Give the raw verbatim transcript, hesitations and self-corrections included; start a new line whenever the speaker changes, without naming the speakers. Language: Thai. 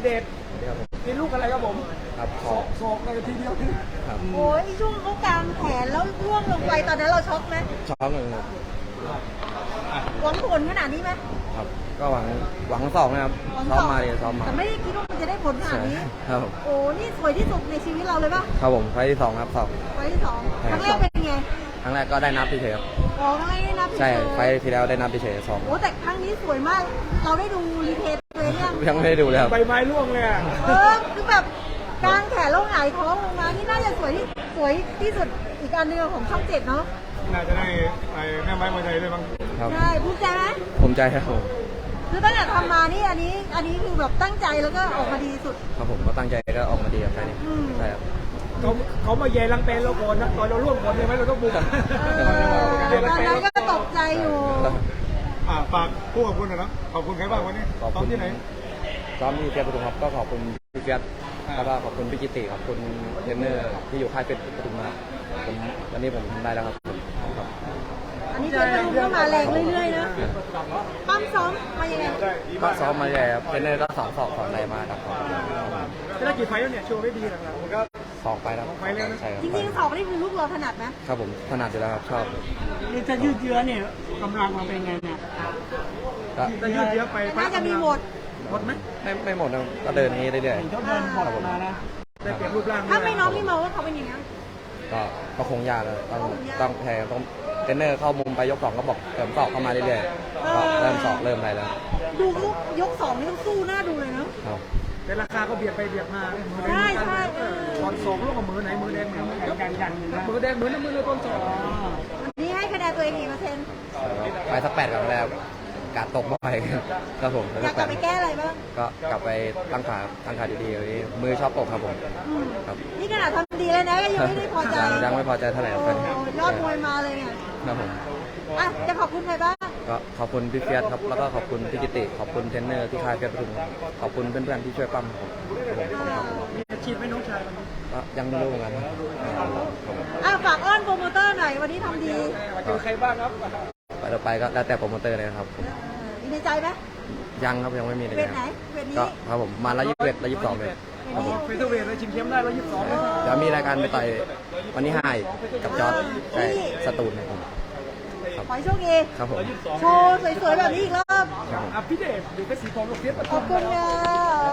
เดชนี่ลูกอะไรครับผม
ครับข
ศ
อ
อกศอกอะไรทีเดียวที่
ครับ
โอ้ยช่วงเขากางแขนแล้วร่วงลงไปตอนนั้นเราช็อกไหม
ช็อกเลยครับ
หวังผลขนาดนี้ไหม
ครับ ก็หวังหวังสองนะครับ
หวัง
ซ้อ
ส
ม
อง
มาเลยซ้อมมา
แต่ไม่ได้คิดว่ามันจะได้ผลขนาดนี้
ครับ
โอ้นี่สวยที่สุดในชีวิตเราเลยป่ะ
ครับผมไฟล์ที่สองครับสอง
ไฟล์ที่สอง
ใช่
ครั้งแรกเป็นไง
ครั้งแรกก็ได้นับเฉยๆครับ
อ๋อครั้งแรกได้นับ
ใช่
เฉยๆ
ไฟล์ที่แล้วได้นับเฉยๆสอง
โอ้แต่ครั้งนี้สวยมาก เราได้ดูรีเพลย์ตัวเองยัง
ยังไม่ได้ดูเลยครับ
ใบไม้ร่วงเลยอะ
เออคือแบบกางแขนแล้วหงายท้องลงมานี่น่าจะสวยที่สวยที่สุดอีกอันหนึงของช่องเจ็ดเนาะ
น่าจะได้ไอ้แม่ไม้มวยไทยด้วยมั้ง
ครับ
ใช่ภูมิใจไหม
ภูมิใจครับผม
คือตั้งแต่ทำมานี่อันนี้อันนี้คือแบบตั้งใจแล้วก็ออกมาดีสุด
ครับผมก็ตั้งใจก็ออกมาดีครับไฟล์นี้
อืม
ใช่ครับ
เขาเขามาแย่ลังเปนเราก่อนนะตอนเราร่วงก่อนใช่ไหมเราต้องบุก
เออตอนนั้นก็ตกใจอยู่
อ่าฝากผู้ขอบคุณนะขอบคุณใครบ้างวันนี้
ขอบ
ซ้อม
คุณ
ที่ไหน
ซ้อมที่เฟียสปทุมครับก็ขอบคุณพี่เฟียสแล้วก็ขอบคุณพี่กิติขอบคุณเทรนเนอร์ที่อยู่ค่ายเพชรปทุมมาผมวันนี้ผมทำได้แล้วครับครับ
อันนี้เป็นรูปเข้ามาแรงเรื่อยๆนะปั้มซ้อมมายังไง
ก็ซ้อมมาใหญ่ครับเทรนเนอร์ก็สอนสอบสอนอะไรมาครับ
จะได้กี่ไฟแล้วเนี่ยโชว์ได้ดีหลังๆมันก็
สองไปแล้ว
สองไฟล์แล้วนะ
ใช่ครับ
จริงๆสอบนี่คือลูกเราถนัดไหม
ครับผมถนัดอยู่แล้วครับชอบ
นี่จะยืดเยื้อเนี่ยกำลังเราเป็นไงเนี่ย
ก็
จะยืดเยื้อไป
น่าจะมีหมด
หมดไหม
ไม่ไม่หมดนะก็เดินนี้เรื่อย
เห็นเขาเดินบดมานะ
ได้เปลี่ยนรูปร่าง
ถ้าไม่น้องพี่มองว่าเขาเป็นอย่างนี้
ๆก็ก็คงยากแล้วต้อง
ก็คงยาก
ต้องแพ้ต้องเทรนเนอร์เข้ามุมไปยกสองก็บอกเติมสอบเข้ามาเรื่อยๆก็เริ่มสอบเริ่มอะไรแล้ว
ดูลูกยกสองนี่ต้องสู้หน้าดูเลยเนาะ
ครับ
แต่ราคาก็เบียดไปเบียดมา
ใช่ใช่
ตอนสองลูกกับมือไหนมือแดงมือ
ยันยันอยู่นะ
มือแดงมือน้ำมือเลยตอนสอง
วันนี้ให้คะแนนตัวเองกี่เปอร์เซ็นต์
ไปสักแปดก่อนแล้วกาดตกไปครับผม
อยากกลับไปแก้อะไรบ้าง
ก็กลับไปตั้งขาตั้งขาดีๆวันนี้มือชอบตกครับผม
อืม
ครับ
นี่ขนาดทำดีเลยนะก็ยังไม่ได้พอใจ
ยังยังไม่พอใจเท่าไหร่ครับ
โอ้ยอดมวยมาเลยเนี่ย
ครับผม
อ่ะจะขอบคุณใครบ้าง
ก็ขอบคุณพี่เฟียสครับแล้วก็ขอบคุณพี่กิติขอบคุณเทรนเนอร์ที่ค่ายเฟียสปทุมครับขอบคุณเพื่อนๆที่ช่วยปั้มผมครับผม
มีอาชีพไหม่น้องชายวันนี้
ก็ยังไม่รู้เหมือนกันครับ
อ่ะฝากอ้อนโปรโมเตอร์หน่อยวันนี้ทำดี
มาเจอใครบ้างครับ
ไปต่อไปก็แล้วแต่โปรโมเตอร์เลยนะครับผม
มีในใจไหม
ยังครับยังไม่มีเลย
เวท
นะ
ไหนเวทนี้
ก็ครับผมมาละยี่สิบเอ็ดละยี่สิบสองเลยครับผม
เฟเธอร์เวทเลยชิงเข้มได้แล้วยี่สิบสองเลย
เดี๋ยวมีรายการไปต่อยวันที่ห้าอีกกับจอร์ดใช่สตูลนะครับครับ
ขอให้โชคดี
ครับผม
โชว์สวยๆแบบนี้อีกรอบ
ครับผม
อ่ะพี่เดชอยู่เพชรสีทองลูกเสียประ
ข
ตู
อบคุณค่ะ